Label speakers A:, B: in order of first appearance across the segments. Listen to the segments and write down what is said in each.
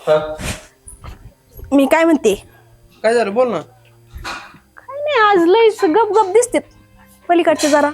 A: मी काय म्हणते,
B: काय झालं बोल ना.
A: काय नाही आज लय गप गप दिसते पलीकडचे जरा.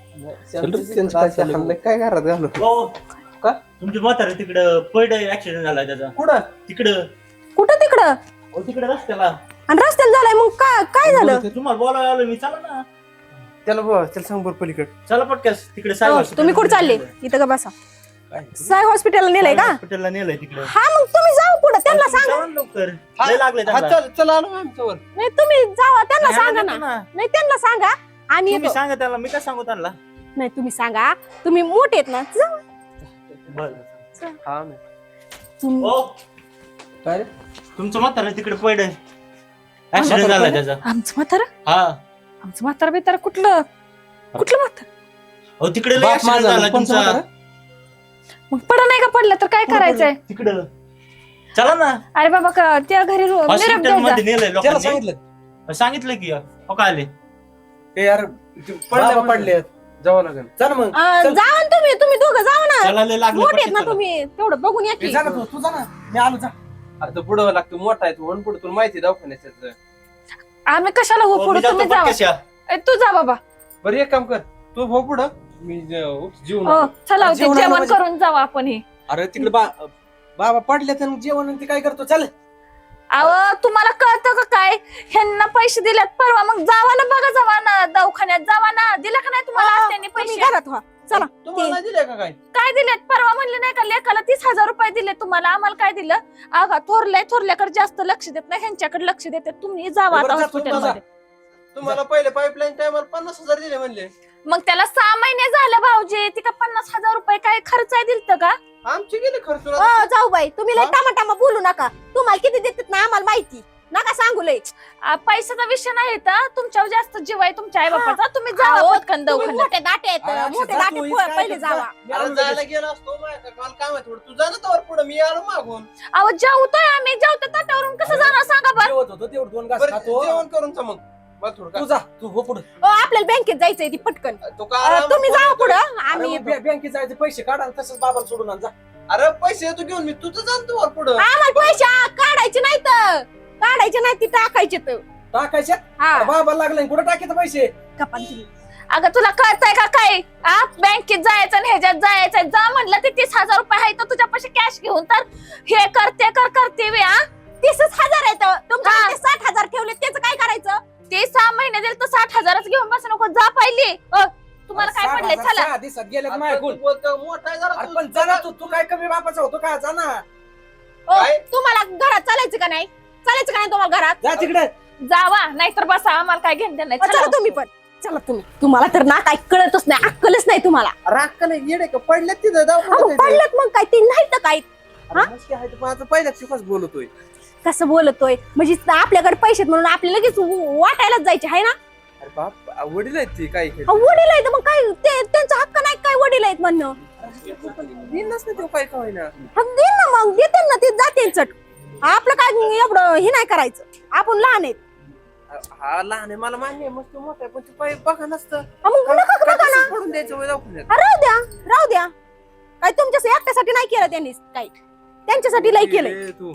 B: काय घरात घालू का
C: तुमची म्हातारी तिकडं पड ऍक्सिडेंट झाला त्याचा.
B: कुठं
C: तिकडं
A: कुठं तिकडं
C: तिकडे रस्त्याला.
A: आणि रस्त्याला झालाय मग काय झालं?
C: तुम्हाला बोलायला आलो मी. चला ना,
B: त्याला सांग बरं पलीकडे.
C: चला पटकस तिकडे
A: हो, तुम्ही कुठे चालले? इथं का बसा. साय हॉस्पिटलला नेलंय का?
C: हॉस्पिटलला नेलंय तिकडे.
A: हा मग तुम्ही जाऊ पुढे, त्यांना सांगा.
C: लवकर लय लागले त्यांना.
B: चला आलो आमच्यावर.
A: नाही तुम्ही जावा, त्यांना
C: नाही,
A: सांगा
C: नाही,
A: ना.
C: ना.
A: नाही त्यांना सांगा आम्ही
C: तुम्ही
A: येतो.
C: सांगा त्याला, मी काय सांगू त्यांना.
A: नाही तुम्ही सांगा, तुम्ही मोठे आहेत ना. जावा.
B: हा
A: तुम्ही-
C: हो
B: काय रे?
C: तुमचं म्हातारा तिकडे पड ऍक्सिडेंट झाला त्याचा.
A: आमचं म्हातारा
C: हा
A: आमचं म्हातारा बितारा कुठलं म्हातारा?
C: हो तिकडे लय
B: बाप
C: ऍक्सिडेंट
B: माझा
C: झाला
B: कोणचा
C: तुमचा.
B: म्हातारा?
A: मग पडा नाही का पडलं तर काय करायचंय?
C: तिकडं चला ना.
A: अरे बाबा त्या घरी निरोप
C: हॉस्पिटल
A: द्यायचा.
C: मध्ये नेलंय
B: त्याला
C: लोकांनी.
B: सांगितलं
C: सांगितलं की हो काय आले.
B: ते यार पडले जावं लागेल. चल मग
A: जावा ना तुम्ही दोघं जावा ना.
C: चला लय लागले
A: मोठे आहेत
C: पटकन
A: ना
C: चला.
A: तुम्ही, तेवढं बघून या की.
B: जा ना तू जा ना. मी आलो जा. अरे तो पुढं लागतो मोठा आहे तू म्हणून पुढे तुला माहिती दवाखान्याचं.
A: आम्ही कशाला हो
C: हो,
A: पुढे,
C: मी जातो
A: तुम्ही जावा.
C: पटकस या.
A: तू जा बाबा.
B: बरं एक काम कर, तू भाऊ पुढं मी जीवन.
A: हो चला होते,
B: जेवणाला
A: जेवण
B: म्हणजे-
A: करून जावा आपण. हे
B: अरे तिकडे बाबा पडले तर जेवण आणि ते काय करतो. चाल
A: अहो तुम्हाला कळतं का काय? ह्यांना पैसे दिलेत परवा, मग जावा ना, बघा जावा ना दवाखान्यात, जावा ना. दिला का नाही तुम्हाला त्यांनी पैसे? घरात व्हा चला.
B: तुम्हाला दिले का काय?
A: काय दिलेत? परवा म्हणले नाही का लेकाला 30,000 रुपये दिले तुम्हाला, आम्हाला काय दिलं? अगा थोरल्याकडे जास्त लक्ष देत नाही, ह्यांच्याकडे लक्ष देतात. तुम्ही जावा आता
B: बरं, जा,
A: हॉस्पिटल
B: तुम्ही
A: मध्ये.
B: तुम्हाला पहिले पाईपलाईन टायमाला 50,000 दिले म्हणले.
A: मग त्याला 6 महिने झाले भाऊजी, ती का 50,000 रुपये काय खर्च आहे दिलत का?
B: आमचे गेले खर्च.
A: जाऊ बाई, तुम्ही लय
B: हा?
A: टामाटामा बोलू नका. तुम्हाला किती देतात ना आम्हाला माहिती, नका सांगू लय. पैशाचा विषय नाही तर तुमच्यावर जास्त जीव आहे तुमच्या आई बापाचा. तुम्ही जावा पटकन दवाखान्यात. मोठे दाटे आहेत, मोठे दाटे पहिले जावा.
B: जायला गेला असतो माझ्या काल काम आहे थोडं. तू जा ना तवर पुढे, मी आलो मागून.
A: अहो जेवतोय आम्ही, जेवतो ताटावरून कसं जाणार सांगा बरं.
B: जेवत होतो तेवढं 2 घास खातो. जेवण करून मग मला थोडं तू जा, तू हो पुढे.
A: आपल्याला बँकेत जायचंय ती पटकन. तुम्ही जावा पुढं, आम्ही येतो.
B: बँकेत जायचे पैसे काढा तसंच बाबाला सोडून आण जा. अरे पैसे येतो घेऊन मी, तुझं जा तू पुढे.
A: आम्हाला पैसे काढायचे नाही, ती टाकायचे तर.
B: टाकायचे
A: हा
B: बाबा लागले कुठे टाकायचे पैसे?
A: कपान तुम्ही. अगं तुला कळतंय का काय? बँकेत जायचं आणि ह्याच्यात जायचं. जा म्हणलं ते 30,000 रुपये आहे तर तुझ्यापाशी कॅश घेऊन तर हे करते 30,000 आहेत तुमच्या 60,000 ठेवले, त्याचं काय करायचं? ते 6 महिने दिले तर 60,000च घेऊन बस नको. जा पहिले. तुम्हाला काय पडलंय? चला.
B: दिसत गेले पण जा तू काय कमी बापाचा होतो का? जा ना.
A: तुम्हाला घरात चालायचं का नाही? तुम्हाला घरात?
B: जा तिकडे.
A: जावा, नाहीतर बसा. आम्हाला काय घेणं नाही. चला तुम्ही पण. चला तुम्ही. तुम्हाला तर ना काय कळतच नाही, अक्कलच नाही तुम्हाला.
B: राखले येडे का पडले तिथं
A: पडलं मग काय? ते नाही तर काय
B: माझं पहिल्याच शिकच बोलतोय.
A: कसं बोलतोय म्हणजे आपल्याकडे पैसे म्हणून आपल्याला लगेच वाटायलाच जायचे आहे ना.
B: अरे बाप वडील आहेत ते काय
A: वडील आहेत मग काय त्यांचा हक्क नाही काय? वडील आहेत म्हणणं
B: काय काय ना.
A: देईन ना, मग देते ना, ते जाते चट. आपलं काय एवढं हे नाही करायचं, आपण लहान आहेत.
B: हा लहान आहे मला मान्य आहे, मस्त मोठा आहे पण ते पाय बघा नसतं.
A: मग नका बघा ना.
B: पडून द्यायचं वय दवाखान्यात.
A: राहू द्या. काय तुमच्या एकट्यासाठी नाही केलं त्यांनी, काय त्यांच्यासाठी लय केलंय.
B: तू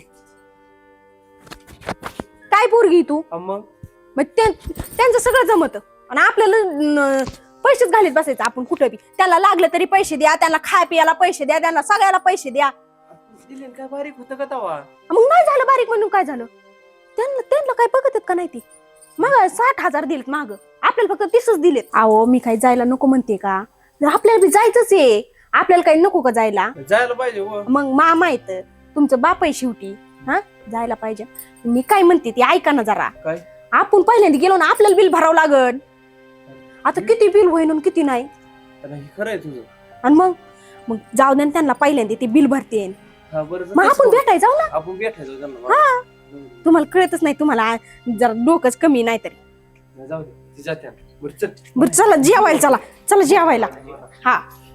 A: काय पोरगी तू?
B: मग
A: त्यांचं सगळं जमत आणि आपल्याला पैसेच घालीत बसायचं आपण कुठं बी. त्याला लागलं तरी पैसे द्या, त्यांना खाय पियाला पैसे द्या, त्यांना सगळ्याला पैसे द्या.
B: दिले काय बारीक होतं का तवा?
A: मग नाही झालं बारीक म्हणून काय झालं? त्यांना काय बघत आहेत का नाही ती? मग 60,000 दिलेत माग, आपल्याला फक्त 30च दिलेत. अहो मी काही जायला नको म्हणते का? आपल्याला बी जायचंच आहे. आपल्याला काही नको का जायला?
B: जायला पाहिजे.
A: मग मामा येत, तुमचं बाप आहे शेवटी. हा जायला पाहिजे. मी काय म्हणते ती ऐका ना जरा.
B: काय?
A: आपण पहिल्यांदा गेलो ना, आपल्याला बिल भरावं लागल. आता किती बिल होईन किती नाही.
B: खरं आहे तुझं.
A: आणि मग जाऊ दे त्यांना, पहिल्यांदा ते बिल भरते. मग आपण भेटायला जाऊ ना.
B: आपण भेटायचं त्यांना.
A: हा तुम्हाला कळतच नाही, तुम्हाला जरा डोकंच कमी नाही तरी.
B: जाऊ दे जाते.
A: बरं चला जेवायला, चला जेवायला. हा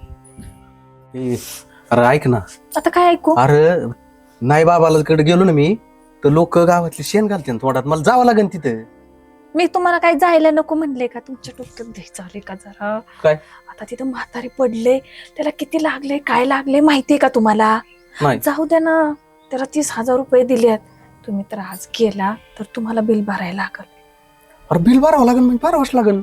D: अरे ऐक ना.
A: आता काय ऐकू?
D: अरे नाही बाबाला कडे गेलो ना मी तर लोक गावातले शेण घालते थोड्यात, मला जावं लागेल तिथं.
A: मी तुम्हाला काय जायला नको म्हणले का? तुमच्या डोक्यात द्यायचं आले का जरा?
D: काय?
A: आता तिथं म्हातारी पडले, त्याला किती लागले काय लागले माहितीये का तुम्हाला?
D: नाही.
A: जाऊ द्या ना, त्याला 30,000 रुपये दिले आहेत. तुम्ही तर आज गेला तर तुम्हाला बिल भरायला लागल.
D: अरे बिल भरावं लागेल म्हणजे भरावंच लागेल.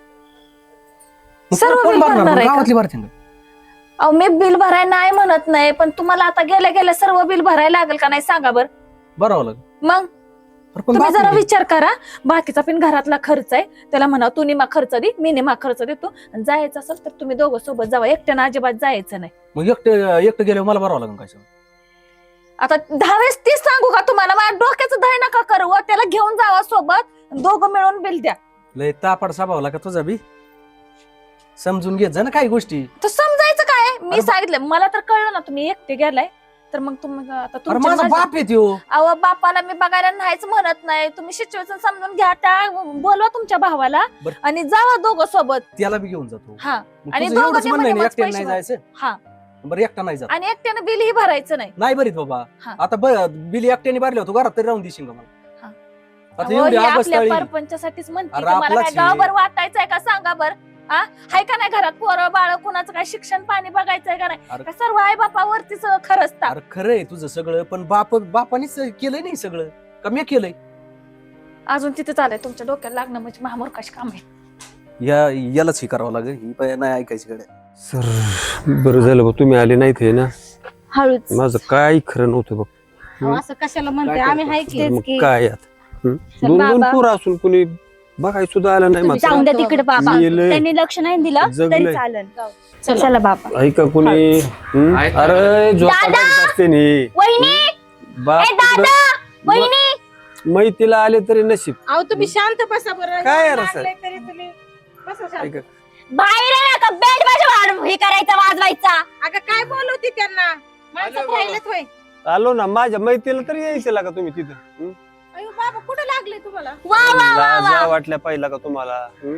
D: मग
A: सर्व
D: कोण
A: बिल
D: भरणार?
A: भरणार आहे का?
D: गावातली भरतील का?
A: अहो मी बिल भरायला नाही म्हणत नाही, पण तुम्हाला आता गेल्या गेल्या सर्व बिल भरायला लागेल का नाही सांगा बर.
D: भरावं लागेल.
A: मग
D: अरे पण
A: तुम्ही
D: बाप
A: जरा
D: रे.
A: विचार करा. बाकीचा पण घरातला खर्च आहे, त्याला म्हणा तू निमा खर्च दे, मी निमा खर्च देतो. आणि जायचं असेल तर तुम्ही दोघं सोबत जावा, एकट्यानं अजिबात जायचं नाही.
D: मग एकटं गेल्यावर मला भरावं लागेल काय सगळं?
A: आता 10 वेळेस तीच सांगू का तुम्हाला? माझ्या डोक्याचं दही नका करू. त्याला घेऊन जावा सोबत, दोघं मिळून बिल द्या.
D: लय तापड साभावला का तुझा बी? समजून घेत जा ना काही गोष्टी.
A: तर समजायचं काय? मी
D: अरे
A: सांगितलं, मला तर कळलं ना तुम्ही एकटे गेलाय तर मग तुम्ही आता
D: अरे माझा
A: तुमच्या
D: बाप येतो.
A: अहो बापाला मी बघायला नाहीच म्हणत नाही. तुम्ही सिच्युएशन समजून घ्या, त्या बोलवा तुमच्या भावाला
D: बरं.
A: आणि जावा दोघं सोबत.
D: त्याला बी घेऊन जातो.
A: हा
D: मग
A: आणि
D: तुझं
A: दोघं
D: एवढंच म्हणणं आहे ना,
A: निम्मे
D: एकट्याने
A: पैसे
D: नाही जायचं.
A: हा
D: बरं एकटा नाही जात.
A: आणि एकट्यानं बिलही भरायचं नाही.
D: नाही बरीत बाबा.
A: हा.
D: आता बिल एकट्याने भरले होतो घरात तरी राहून देशील का मला?
A: हा.
D: आता
A: अहो,
D: एवढी
A: हे
D: अवस्था
A: आपल्या
D: आली.
A: परपंचासाठीच म्हणते.
D: अरे
A: तुम्हाला काय
D: आपलाच आहे.
A: गावभर वाटायचंय का सांगा बर? हा हाय का नाही घरात पोरं बाळ कुणाचं काय शिक्षण पाणी बघायचंय का नाही?
D: अरे
A: का सर्व आई बापावरतीच खरंचता?
D: अरे खरं आहे तुझं सगळं, पण बापानीच केलंय नाही सगळं का मी केलंय?
A: अजून तिथे चालय तुमच्या डोक्याला लागणं म्हणजे महामूर्खाशी काम आहे.
D: यालाच हे करावं लागेल. ही बाई नाही ऐकायची कडे.
E: सर बरं झालं बघ तुम्ही आले नाहीत हे ना.
F: हळूच
E: माझं काय खरं नव्हतं बघ.
F: अहो, असं कशाला म्हणते? आम्ही हाय की.
E: मग
F: तेच की.
E: काय आता दोन
F: बाबा.
E: पोरं असून कुणी बघाय सुद्धा आलं नाही
F: तुम्ही जाऊन
E: मात्र.
F: द्या तिकडे बाबा.
E: गेलंय.
F: त्यांनी लक्ष नाही दिलं
E: जगलंय.
F: तरी चालेल. चला बाबा.
E: ऐका कुणी अरे झोपा
F: दादा!
E: काढत असते नी.
F: वहिनी
E: बाप
F: ए दादा
E: तिकडं-
F: वहिनी
E: मैतीला आले तरी नशीब.
G: अहो तुम्ही शांत बसा बरं.
E: काय
G: एवढं
E: रस आहे?
G: लागलंय तरी तुम्ही बसा शांत.
E: ऐका
F: बाहेर आहे ना का बेड माझ्या हे करायचा वाजवायचा.
G: अगं काय बोलवती त्यांना? माणसात राहिलेत होय.
E: आलो ना माझ्या मैतीला तरी यायचं का तुम्ही तिथं? हं?
G: अयो बाबा कुठं लागले तुम्हाला?
F: वा वा वा वा.
E: लाजा वाटल्या पाहिला का तुम्हाला? हं?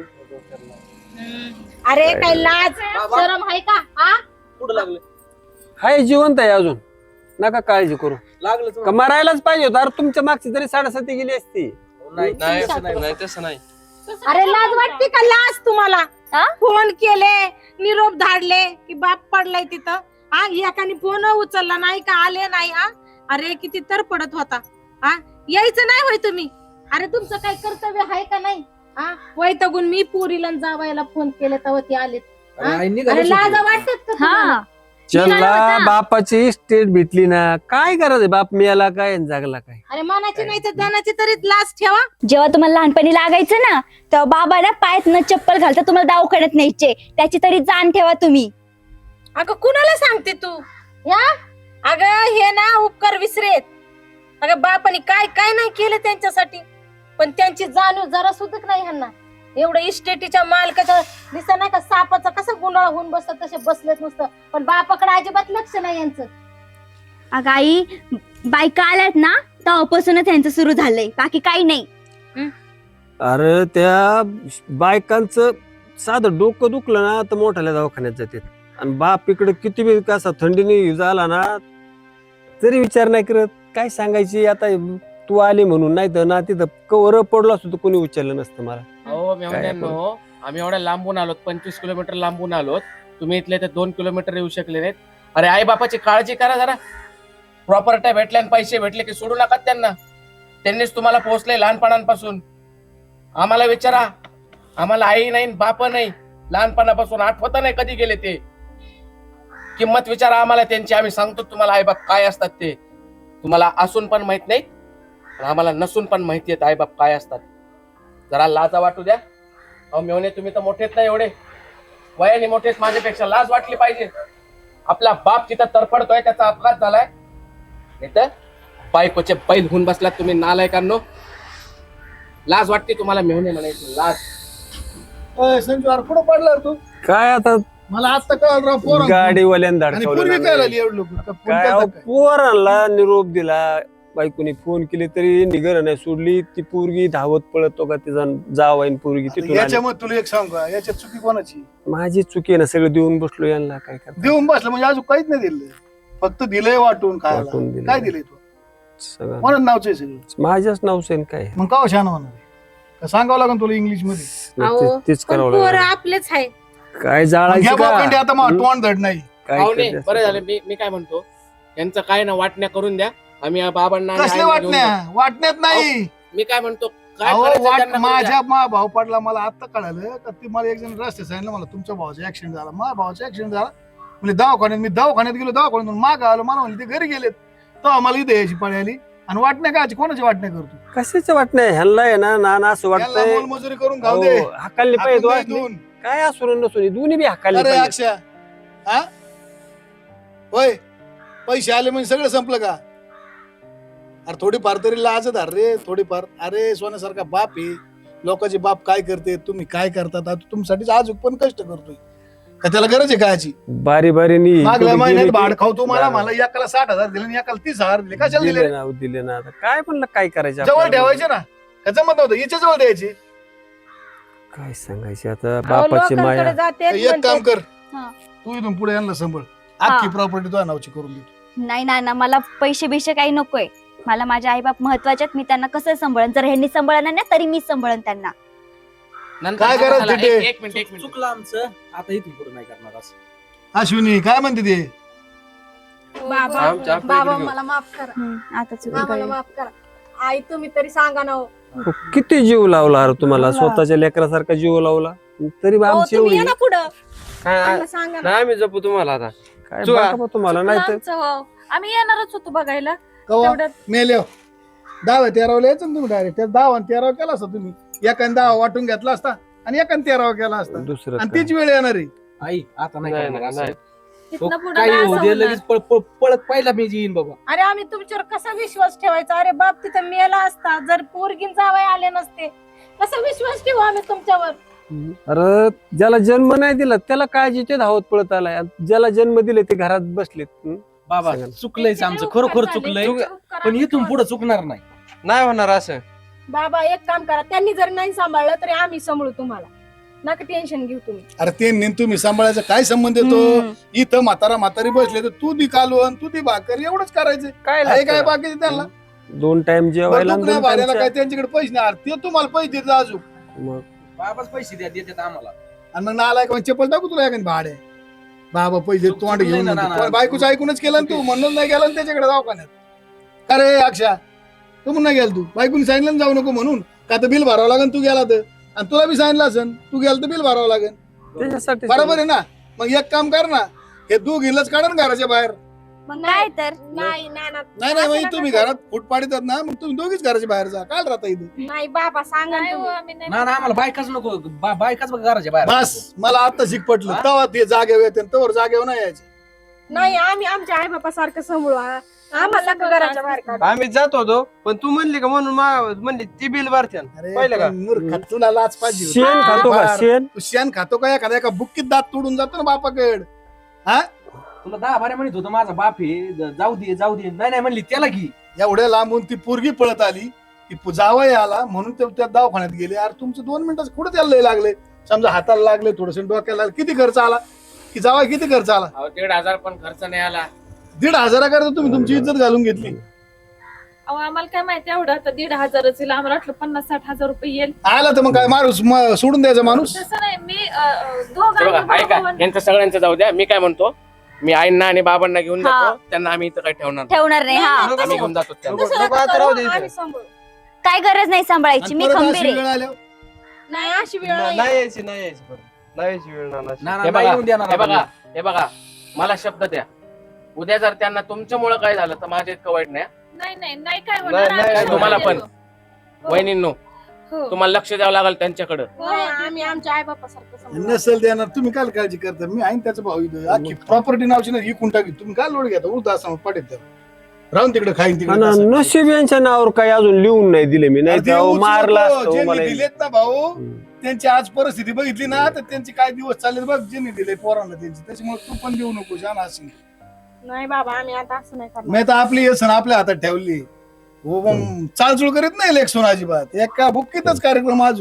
G: अरे काय लाज
B: बाबा.
G: शरम आहे का? हा
B: कुठं लागलं?
E: हाय जिवंत आहे अजून. नका काळजी करू.
B: लागलं
E: का मरायलाच पाहिजे होतं. अरे तुमच्या मागची तरी 7.5 गेली असती.
B: नाही
G: नाही,
B: असं नाही तसं नाही.
G: अरे लाज वाटते का? लाज तुम्हाला?
F: हा?
G: फोन केले, निरोप धाडले की बाप पडलाय तिथं. हा एकाने फोन उचलला नाही का? आले नाही. हा अरे किती तर पडत होता. हा यायचं नाही होय तुम्ही? अरे तुमचं काय कर्तव्य आहे का नाही? हा वैतागून मी पोरीला जावायला फोन केले तेव्हा ती आले.
B: अरे आईंनी
G: अरे
B: घालून
G: लाज
B: सोडलं.
G: वाटत का तुम्हाला?
F: हा
E: चला बापाची स्टेट भेटली ना. काय करायचं बाप मिळाला काय आणि जागला काय?
G: अरे मनाची नाही तर धनाची तरी लाज ठेवा.
F: जेव्हा तुम्हाला लहानपणी लागायचं ना तेव्हा बाबा ना पायात न चप्पल घालता तुम्हाला दवाखान्यात न्यायचे. त्याची तरी जाण ठेवा तुम्ही.
G: अगं कुणाला सांगते तू? या अगं हे ना उपकार विसरेत. अगं बापाने काय काय नाही केलं त्यांच्यासाठी, पण त्यांची जाणीव जरा सुद्धा नाही ह्यांना. एवढं इस्टेटीच्या मालकाचं दिसत नाही का? सापाचं कसं गुंडाळ होऊन बसतात तसे बसलेत नुसतं, पण बापाकडे अजिबात लक्ष नाही यांचं.
F: अगं आई बायका आल्यात ना तेव्हापासूनच त्यांचं सुरू झालंय, बाकी काही नाही.
E: अरे त्या बायकांचं साधं डोकं दुखलं ना तर मोठ्याला दवाखान्यात जाते. आणि बाप इकडे किती बी कसा थंडीने झाला ना तरी विचार नाही करत. काय सांगायची आता तू आली म्हणून, नाही तर ना तिथं कवर पडलो असतो तर कोणी उचललं नसतं मला.
H: हो मेवण्यांनो, आम्ही एवढ्या लांबून आलोत, 25 किलोमीटर लांबून आलोत. तुम्ही इथले तर 2 किलोमीटर येऊ शकले नाहीत. अरे आई बापाची काळजी करा जरा. प्रॉपर्ट्या भेटल्या आणि पैसे भेटले की सोडू नका त्यांना. त्यांनीच तुम्हाला पोहोचले लहानपणापासून. आम्हाला विचारा, आम्हाला आई नाही बाप नाही. लहानपणापासून आठवत नाही कधी गेले ते. किंमत विचारा आम्हाला त्यांची. आम्ही सांगतो तुम्हाला आई बाप काय असतात ते. तुम्हाला असून पण माहित नाहीत, आम्हाला नसून पण माहिती आहेत आई बाप काय असतात. जरा लाजा वाटू द्या. अहो मेवणे तुम्ही तर मोठेच नाही, एवढे वयाने मोठेच माझ्यापेक्षा. लाज वाटली पाहिजे. आपला बाप तिथं तरफडतोय, त्याचा अपघात झालाय. नाही तर बायकोचे बैल होऊन बसलात तुम्ही नालायकांनो. लाज वाटते तुम्हाला मेवणे म्हणायची लाज.
B: संजू अरे कुठं पडला रे तू?
E: काय आता
B: मला आता कळलं राव पोरं.
E: गाडीवाल्यानं
B: आणि पूर्वी काय
E: धडकवलं.
B: झाली एवढं लोक? फोन
E: काय
B: केलता
E: अहो,
B: काय?
E: पोरांना निरोप दिला. बायकोनी फोन केले तरी निगर नाही सोडली. ती पोरगी धावत पळत तो का तिचा जावाईन पोरगी तिथून आली.
I: याच्यामध्ये तुला एक सांग का, याच्यात चुकी कोणाची?
E: माझी चुकी आहे ना, सगळं देऊन बसलो यांना. काय करता
I: देऊन बसलं म्हणजे अजून काहीच नाही दिलं, फक्त दिलंय वाटून खायला.
E: वाटून दिलंय.
I: काय दिलंय तू?
E: सगळं
I: कोणाच नावचं आहे सगळं?
E: माझ्याच नावचं आहे ना काय.
I: मग का छान होणार आहे? का सांगावं लागेल तुला इंग्लिश मध्ये?
G: अहो,
E: तेच
G: पण
E: करावं
G: पोरं
E: लागलं.
G: आपलेच आहे.
E: काय
I: घ्या
E: जाळायचं
I: बापंडी
E: का?
I: आता तोंड धड नाही.
E: काय
H: पाहुणे
E: करते
H: बरं
E: असं?
H: झालं. मी काय म्हणतो, यांचं काय ना वाटण्या करून द्या. आम्ही या बाबांना आणि
I: कसले
H: आईला घेऊन
I: वाटण्या वाटण्यात नाही
H: जातो. मी काय म्हणतो काय
I: अहो,
H: करायचं त्यांना करू द्या.
I: माझ्या मा भाऊ पडला मला आता कळालं का ती मला एक जण रस्ते सांगितलं मला तुमच्या भावाचा ऍक्सिडेंट झाला माझ्या भावाचा ऍक्सिडेंट झाला म्हणजे दवाखान्यात मी दवाखान्यात गेलो दवाखान्यातून माग आलो मला म्हणले ते घरी गेलेत तेव्हा मला इथे यायची पळी आली आणि वाटण्या काय कोणाची वाटण्या करतो
E: कशाचं वाटणं ह्यांना आहे ना नाना असं
I: याला
E: वाटतंय
I: मोलमजुरी करून खाऊ दे
E: अहो, हकालले
I: आपण
E: पाहिजे
I: नाही
E: वाटली.
I: दोन.
E: काय असून नसून दोन्ही बी हकालले
I: अरे
E: पाहिजे
I: अक्षय हा होय पैसे आले म्हणजे सगळं संपलं का अरे थोडीफार तरी लाज धर रे थोडीफार अरे सोन्यासारखा बाप आहे लोकांचे बाप काय करते तुम्ही काय करतात आता तुमच्यासाठी आज पण कष्ट करतोय का त्याला गरज आहे कायची
E: बारी बारीनी
I: मागल्या
E: इकडे
I: महिन्यात
E: गेले
I: भाड
E: की-
I: खाऊ तुम्हाला मला एकाला 60,000 दिले आणि एकाला 30,000 दिले कशाला
E: दिले
I: दिले
E: ना दिले ना आता काय म्हणलं काय करायचं
I: जवळ
E: आपल्याला?
I: ठेवायचे ना का जमत नव्हतं याच्या जवळ द्यायची
E: काय सांगायचे आता
G: अहो,
E: बापाची
G: लोकांकडे
E: माया
G: जाते
I: एक काम कर
F: हा.
I: तू इथून पुढे यांना सांभाळ अख्खी प्रॉपर्टी तुझ्या नावची करून देतो
F: नाही ना मला पैसे बिशे काही नकोय मला माझे आई बाप महत्वाचे मी त्यांना कसं सांभाळन जर ह्यांनी सांभाळणार नाही तरी मी सांभाळन त्यांना
H: नंतर
I: काय करायचं
H: चला,
I: ते?
H: एक मिनिट
B: चुकलं आमचं आता इथून पुढे नाही करणार असं
I: अश्विनी काय म्हणते ते
G: बाबा बाबा मला माफ करा
F: आता चुकी
G: आम्हाला
F: कळली.
G: माफ करा आई तुम्ही तरी सांगा ना हो.
E: किती जीव लावला अरे तुम्हाला स्वतःच्या लेकरासारखा जीव लावला तरी बा
G: हो,
E: आमची
G: तुम्ही
E: एवढी
G: या ना पुढं
H: काय
G: आम्हाला सांगा ना
H: नाही आम्ही जपू तुम्हाला आता
E: काय
H: चुका.
E: बघा बा तुम्हाला नाही तर
A: आमचं हो. आम्ही येणारच होतो बघायला
I: कवा
A: तेवढ्यात
I: मेल्या 10-13 यायचं ना तुम्ही डायरेक्ट त्या 10-13 केला असता तुम्ही एकाने 10 वाटून घेतला असता आणि एकाने 13 केला असता
E: दुसरं
I: आणि
E: काय.
I: तीच वेळ येणार आहे
B: आई आता नाही
H: नाही,
B: करणार असं.
H: नाही.
B: तो
A: तिथनं पुढं
B: काही
A: काय
B: होऊ
A: असं
B: दे
A: होणार?
B: लगेच पळत पहिला मी येईन बाबा
G: अरे आम्ही तुमच्यावर कसा विश्वास ठेवायचा अरे बाप तिथं मेला असता जर पोरगीन जावई आले नसते कसा विश्वास ठेवू आम्ही तुमच्यावर
E: अरे ज्याला जन्म नाही दिला त्याला काळजी ते धावत पळत आलाय आणि ज्याला जन्म दिले ते घरात बसलेत
B: बाबा
E: सांगा ना.
B: चुकलंयच आमचं खरोखर चुकलंय पण इथून पुढे चुकणार नाही
H: नाही होणार असं
G: बाबा एक काम करा त्यांनी जर नाही सांभाळलं तरी आम्ही सांभाळू तुम्हाला नका टेन्शन घेऊ तुम्ही
I: अरे ते नेन तुम्ही सांभाळायचा काय संबंध येतो इथं म्हातारी बसले तर तू दी कालवण तू दी भाकर एवढंच करायचं
E: काय
I: आहे काय
E: लागतं?
I: बाकी त्यांना
E: 2 टाइम जेवायला आणि
I: बंदूक नाही
E: 2
I: भाड्याला
E: time
I: काय त्यांच्याकडे पैसे नाही अरे ते तुम्हाला पैसे देत अजून
E: मग
B: बाबाच पैसे द्या देतात आम्हाला
I: आणि मग नाला का चप्पल टाकू तुला एखादी भाडे बाबा पैसे तोंड घेऊन
B: ना,
I: म्हणतो.
B: ना,
I: पण बायकोचं ऐकूनच केलं ना तू म्हणून नाही गेला ना त्याच्याकडे दवाखान्यात अरे अक्षा तू म्हणून नाही गेला तू बायकोनी सांगितलं ना जाऊ नको म्हणून का तर बिल भरावं लागेल तू गेला तर आणि तुला बी सांगितलं असेल तू गेला तर बिल भरावं लागेल
E: त्याच्यासाठी
I: बरोबर आहे ना मग एक काम कर ना हे तू गेलंच काढा ना घराच्या बाहेर
F: मग काय तर
G: नाही ना ना
I: नाही
G: असं
I: म्हणजे
G: नका
I: तुम्ही
G: करू.
I: घरात फूट पाडतात ना मग तुम्ही दोघीच घराच्या बाहेर जा काल राहता इथं
G: नाही बाबा सांगा
A: नाही
G: ना
A: हो,
G: तुम्ही.
A: आम्ही नाही
B: ना ना आम्हाला बायकाच नको बायकाच बघ घराच्या बाहेर
I: बस मला आता शिक पटलं
B: हा?
I: तेव्हा ते जागेवर येते तवर जागेवर नाही यायचे
G: नाही आम्ही आमच्या आई बापा सारखं सांभाळू आम्हाला नका घराच्या बाहेर काढू.
H: आम्ही जात होतो पण तू म्हणली का म्हणून म्हणली ती बिल भरते
I: अरे
H: पाहिलं का?
I: पण मूर्ख, तुला लाच पाहिजे होती.
E: शेण खातो का
I: बार.
E: शेण
I: तू शेण खातो का एखाद्या एका बुक्कीत दात तोडून जातो ना बापाकड
B: तुला 10 म्हणत होतं माझा बाप आहे जाऊ दे नाही म्हणली त्याला घे
I: एवढ्या लांबून ती पोरगी पळत आली ती जावई आला म्हणून ते त्या दवाखान्यात गेले अरे तुमचं 2 मिनिटात कुठे त्याला लय लागले समजा हाताला लागले थोडस डोक्याला लागले किती खर्च आला की जावई किती खर्च आला
H: 1,500 पण खर्च नाही आला
I: 1,500 करता तुम्ही तुमची इज्जत घालून घेतली
A: अहो, आम्हाला काय माहिती एवढं आता 1,500 येईल आम्हाला वाटलं 50-60,000 रुपये येईल
I: आला तर मग काय माणूस सोडून द्यायचा माणूस
A: तसं नाही मी
H: हे
A: दोघांना
H: बघा ऐका
A: भाऊ-भाऊ-
H: यांचं सगळ्यांचं जाऊ द्या मी काय म्हणतो मी आईंना आणि बाबांना घेऊन
F: हा.
H: जातो त्यांना आम्ही इथं काही ठेवणार नाही.
F: ठेवणार नाही हा
H: आम्ही घेऊन जातो त्यांना.
G: तसं नका करू, आम्ही सांभाळू.
F: काय गरज नाही सांभाळायची
I: आणि
F: मी
I: परत
F: खंबीर
I: अशी
F: आहे
I: वेळ आल्यावर
G: नाही अशी वेळ नाही
H: नाही यायची परत. नाही यायची वेळ नाही.
B: ना
H: हे
B: नाही
H: बघा
B: येऊन देणार
H: हे बघा
B: आपण.
H: हे बघा मला शब्द द्या उद्या जर त्यांना तुमच्यामुळे काय झालं तर माझ्या इतकं वाईट नाही
A: नाही काय होणार
H: नाही, नाही,
A: आम्ही
H: तुम्हाला
A: देतो.
H: पण. वहिनींनो
A: हो.
H: तुम्हाला लक्ष द्यावं लागेल त्यांच्याकडे
G: नाही, आम्ही आमच्या आई बापा सारखं सांभाळू.
I: नसेल देणार तुम्ही काय काळजी करता मी आहे त्याचा भाऊ इथं अख्खी प्रॉपर्टी नावची ना विकून टाकी तुम्ही काय लोड घेता उलटा असं पाठीत द्या राहून तिकडे खाईन
E: आणि
I: तिकडे असं.
E: नशीब यांच्या नावावर काही अजून लिहून नाही दिले मी नाही
I: अरे
E: तर
I: देऊच
E: मारला
I: नको.
E: असतो
I: ज्यांनी
E: मला
I: दिलेत ना भाऊ
E: हम्म.
I: त्यांची आज परिस्थिती बघितली ना तर त्यांचे काय दिवस चालले बघ ज्यांनी दिले पोरांना त्यांची त्याच्यामुळे तू पण देऊ नको छान असेल
G: नाही बाबा आम्ही आता असं नाही करणार
I: मी तर आपली येसन आपल्या हातात ठेवली हो मग चालचूळ करीत नाही लेखसून अजिबात एका बुक्कीतच कार्यक्रम आज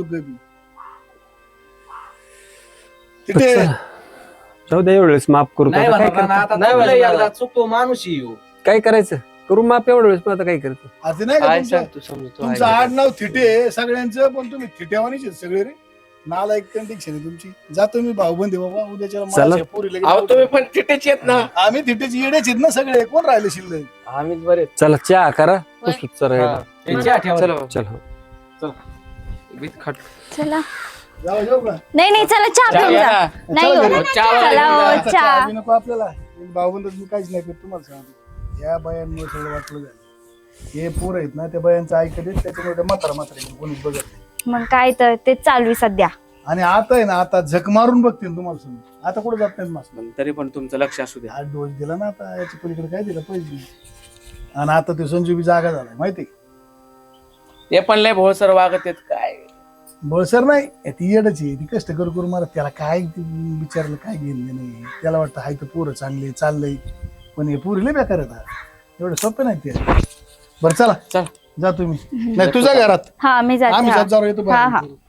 I: तिथे
E: जाऊ द्या एवढेच माफ करू
B: नाही
E: आता काय
B: म्हणणार ना,
E: करतो?
B: आता
H: नाही
B: तुला
H: म्हणणार.
B: एकदा चुकतो माणूस येऊ
E: काय करायचं करू माफ एवढं वेळेस आता काय करतो
I: असं नाही का
H: काय
I: तुमचं
H: सांगतो समजतो
I: तुमचं आडनाव थिटे आहे सगळ्यांचं पण तुम्ही थिटेवानीच आहेत सगळे रे नालायक कंडिक्शन आहे तुमची. जातो मी भाऊबंदी बाबा उद्याच्या
E: चला.
I: माझ्या पोरीला
H: अहो
I: घेऊन
H: तुम्ही पण तिथेच येत ना.
I: आम्ही तिथेच येडेच आहेत ना सगळे. कोण राहिले शिल्लक?
B: आम्हीच बरे.
E: चला चहा करा
G: होय.
E: पुसूत चला.
B: चला
E: चला
F: चला
I: जाऊ का?
F: नाही चला चहा
H: चहा
F: पिऊन
H: घ्या
F: जा.
H: ना.
F: नाही हो.
H: चहा
F: चला
H: घ्या.
F: हो,
I: आता
F: चहा.
I: चहा बी नको आपल्याला. भाऊबंद मी काहीच नाही करत तुम्हाला सांगतो. या बायांमुळे सगळं वाटलं झालं. हे पोर आहेत ना त्या बायांचं ऐकत आहेत त्याच्यामुळे म्हातारा कोणीच बघत नाही.
F: मग काय तर तेच चालू आहे सध्या.
I: आणि आता आहे ना आता झक मारून बघतील तुम्हाला समजा. आता कुठे जात नाहीत मास्तर.
H: तरी पण तुमचं लक्ष असू द्या.
I: 8 डोस दिला ना आता याच्या पलीकडे काय दिलं पैसे. आणि आता ते संजू बी जागा झालाय माहिती.
H: ते पण लय भोळसर वागत आहेत काय.
I: बळसर नाही ती येडच आहे. ती कष्ट करू मारत. त्याला काय विचारलं काय घेणं नाही. त्याला वाटतं हाय तर पोरं चांगले चाललंय. पण हे पोरीला बेकार येतात. एवढं सोपं नाही ते. बरं चला
H: चल
I: जा तुम्ही. नाही तुझ्या घरात
F: हा मी जाते
I: आम्ही
F: हा.
I: जात जाऊ येतो
F: हा, हा.
I: बाहेर.